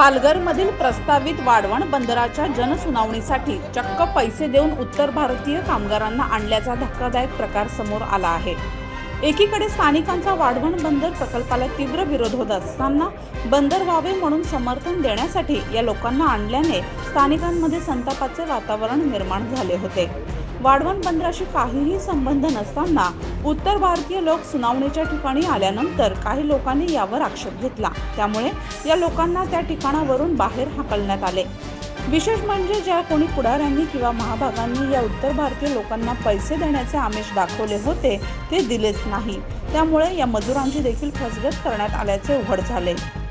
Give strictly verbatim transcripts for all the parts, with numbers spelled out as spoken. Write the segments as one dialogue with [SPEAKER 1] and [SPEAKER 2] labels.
[SPEAKER 1] पालघरमधील प्रस्तावित वाढवण बंदराच्या जनसुनावणीसाठी चक्क पैसे देऊन उत्तर भारतीय कामगारांना आणल्याचा धक्कादायक प्रकार समोर आला आहे। एकीकडे स्थानिकांचा वाढवण बंदर प्रकल्पाला तीव्र विरोध होत असताना बंदर व्हावे म्हणून समर्थन देण्यासाठी या लोकांना आणल्याने स्थानिकांमध्ये संतापाचे वातावरण निर्माण झाले होते। वाढवण बंदराशी काहीही संबंध नसताना उत्तर भारतीय लोक सुनावणीच्या ठिकाणी आल्यानंतर काही लोकांनी यावर आक्षेप घेतला, त्यामुळे या लोकांना त्या ठिकाणावरून बाहेर हाकलण्यात आले। विशेष म्हणजे ज्या कोणी पुढाऱ्यांनी किंवा महाभागांनी या उत्तर भारतीय लोकांना पैसे देण्याचे आमिष दाखवले होते ते दिलेच नाही, त्यामुळे या मजुरांची देखील फसगत करण्यात आल्याचे उघड झाले।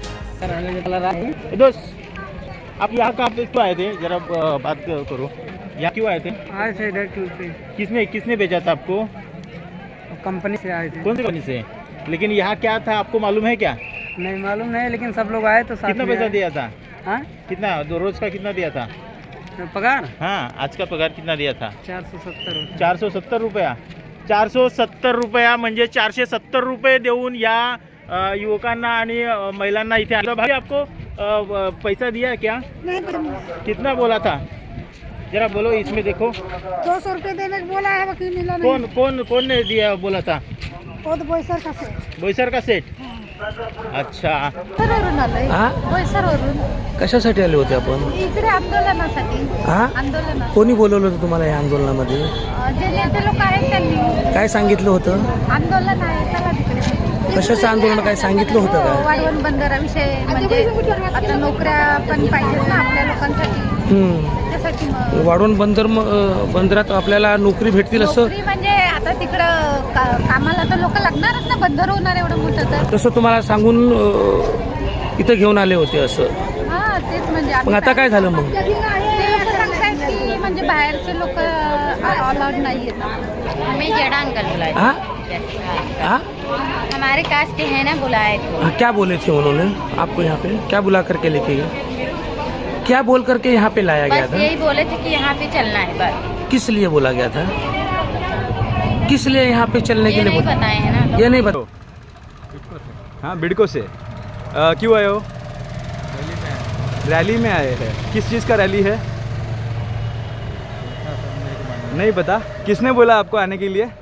[SPEAKER 2] दोस्त आप यहाँ कहाँ पे क्यों आए थे, जरा बात करो। यहाँ क्यों आए थे?
[SPEAKER 3] आए थे इधर टूर पे।
[SPEAKER 2] किसने किसने भेजा था आपको?
[SPEAKER 3] कंपनी से आए थे।
[SPEAKER 2] कौन सी कंपनी से? लेकिन यहाँ क्या था आपको मालूम है क्या?
[SPEAKER 3] नहीं मालूम नहीं, लेकिन सब लोग आए तो साथ
[SPEAKER 2] कितना
[SPEAKER 3] में
[SPEAKER 2] पैसा
[SPEAKER 3] आए।
[SPEAKER 2] दिया था?
[SPEAKER 3] हाँ?
[SPEAKER 2] कितना दो रोज का कितना दिया था?
[SPEAKER 3] पगार
[SPEAKER 2] हाँ, आज का पगार कितना दिया था?
[SPEAKER 3] चार सौ सत्तर।
[SPEAKER 2] चार सौ सत्तर रुपया चार सौ सत्तर रुपया म्हणजे चारशे सत्तर रुपये देऊन या अ, युवकांना आणि अ, महिलांना इथे आणलं। भाई आपको अ, पैसा दिया है क्या? कितना बोला था, जरा बोलो इसमें देखो।
[SPEAKER 4] दो सौ रुपये देने को बोला है, वकील मिला नहीं।
[SPEAKER 2] कौन कौन कौन ने दिया बोला था?
[SPEAKER 4] वो तो बोईसर का से।
[SPEAKER 2] बोईसर का सेट। अच्छा,
[SPEAKER 4] बोईसरवरून आलोय।
[SPEAKER 5] हा?
[SPEAKER 4] बोईसरवरून
[SPEAKER 5] कशासाठी आले होते आपण?
[SPEAKER 4] इकडे आंदोलनासाठी।
[SPEAKER 5] हा?
[SPEAKER 4] आंदोलनात
[SPEAKER 5] कोणी बोलवलं होतं तुम्हाला या आंदोलनामध्ये?
[SPEAKER 4] अं, जे नेते लोक आहेत त्यांनी
[SPEAKER 5] काय सांगितलं होतं?
[SPEAKER 4] आंदोलन आहे, चला तिकडे।
[SPEAKER 5] कशाचं आंदोलन, काय सांगितलं होतं का?
[SPEAKER 4] वाढवण बंदराविषयी, म्हणजे आता नोकऱ्या पण पाहिजेत ना आपल्या लोकांसाठी,
[SPEAKER 5] हम्म.
[SPEAKER 4] त्याच्यासाठी मग
[SPEAKER 5] वाढवण बंदर म- अं, बंदरात आपल्याला नोकरी भेटतील असं
[SPEAKER 4] नोकरी म्हणजे आता तिकडं का- कामाला तर लोक लागणारच ना, बंदर होणार एवढं मोठं तर।
[SPEAKER 5] तसं तुम्हाला सांगून अं, इथं घेऊन आले होते असं।
[SPEAKER 4] हा तेच म्हणजे
[SPEAKER 5] मग
[SPEAKER 4] आम्ही
[SPEAKER 5] आता काय झालं मग?
[SPEAKER 4] ते लोक सांगतायत की म्हणजे बाहेरचे लोक अलाउड नाही आहेत।
[SPEAKER 6] हमें जड़ा अंकल बुलाए
[SPEAKER 5] हाँ? हाँ?
[SPEAKER 6] हमारे कास्ट के हैं ना, बुलाए थे।
[SPEAKER 5] हाँ, क्या बोले थे उन्होंने आपको यहाँ पे? क्या बुला करके लेके गए? क्या बोल करके यहाँ पे लाया गया
[SPEAKER 6] बस
[SPEAKER 5] था?
[SPEAKER 6] यही बोले थे कि यहाँ पे चलना है, बस
[SPEAKER 5] किस लिए बोला गया था? किस लिए यहाँ पे चलने
[SPEAKER 6] ये
[SPEAKER 5] के लिए
[SPEAKER 6] नहीं
[SPEAKER 5] बोला?
[SPEAKER 6] बताए हैं ना।
[SPEAKER 5] ये नहीं बता।
[SPEAKER 7] हाँ, बिडको से। आ, क्यों आए हो? रैली में आए हैं। किस चीज़ का रैली है? नहीं पता। किसने बोला आपको आने के लिए?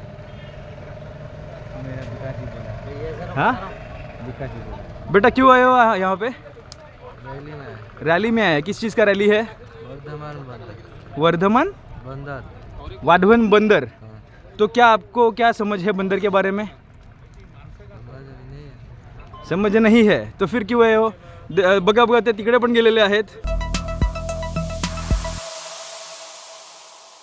[SPEAKER 7] हाँ, बेटा क्यों आए हो यहाँ पे?
[SPEAKER 8] रैली में।
[SPEAKER 7] रैली में आए। किस चीज़ का रैली है?
[SPEAKER 8] वर्धमान बंदर।
[SPEAKER 7] वर्धमान
[SPEAKER 8] बंदर।
[SPEAKER 7] वाढवण बंदर। तो क्या आपको क्या समझ है बंदर के बारे में?
[SPEAKER 8] समझ नहीं है।
[SPEAKER 7] समझ नहीं है तो फिर क्यों आए हो? द- बघा बघा ते तिकडे पण गेलेले आहेत।